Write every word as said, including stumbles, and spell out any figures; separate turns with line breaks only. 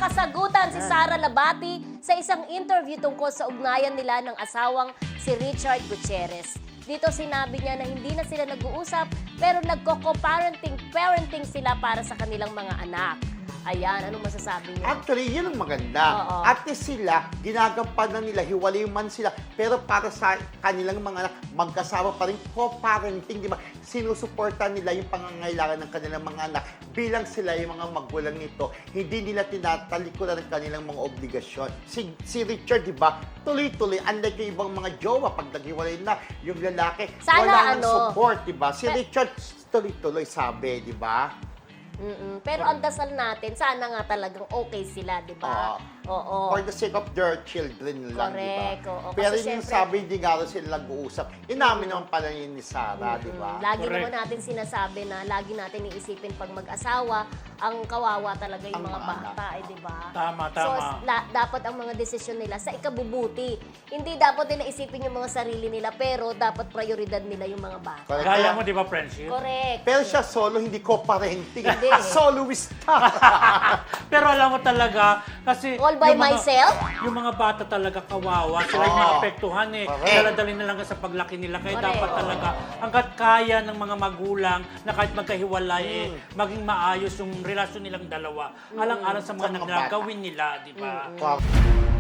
nasasagutan si Sara Labati sa isang interview tungkol sa ugnayan nila ng asawang si Richard Gutierrez. Dito sinabi niya na hindi na sila nag-uusap pero nagko-co-parenting parenting sila para sa kanilang mga anak. Ayan, anong masasabi niyo?
Actually, yun ang maganda.
Oo.
At least sila, ginagampanan nila, hiwalay man sila, pero para sa kanilang mga anak, magkasama pa rin, co-parenting, di ba? Sinusuportan nila yung pangangailangan ng kanilang mga anak bilang sila yung mga magulang nito. Hindi nila tinatalikuran ang kanilang mga obligasyon. Si, si Richard, di ba? Tuloy-tuloy, unlike yung ibang mga jowa, pag naghiwalay na, yung lalaki,
Sana
wala nang
ano,
support, di ba? Si
pe-
Richard, tuloy-tuloy sabi, di ba?
Mm-mm. Pero ang dasal natin, sana nga talagang okay sila, di ba? Oo.
For the sake of their children lang, di ba?
Correct, oo.
Pero
Kasi
yung
syempre-
sabi, hindi nga rin sila nag-uusap. Inamin naman pala yun ni Sarah, di ba?
Mm, Lagi
Correct.
naman natin sinasabi na lagi natin iisipin pag mag-asawa, ang kawawa talaga yung
Ang
mga
mga
bata, eh, di ba?
Tama,
So,
tama.
la- dapat ang mga desisyon nila sa ikabubuti. Hindi dapat nila isipin yung mga sarili nila, pero dapat prioridad nila yung mga bata.
Correct.
Gaya mo, di ba, friendship?
Correct.
Pero siya solo, hindi ko parenting.
Hindi.
Soloist ka.
Pero alam mo talaga, kasi...
All by
yung mga-
myself?
Yung mga bata talaga kawawa, sila yung
Oo.
maapektuhan eh.
Correct.
Daladali na lang sa paglaki nila. Kaya
Correct.
dapat talaga, hanggat kaya ng mga magulang na kahit magkahiwalay eh, maging maayos yung relasyon nilang dalawa. Alang-alang sa mga
Sa mga bata.
nagagawin nila, di ba?
Wow.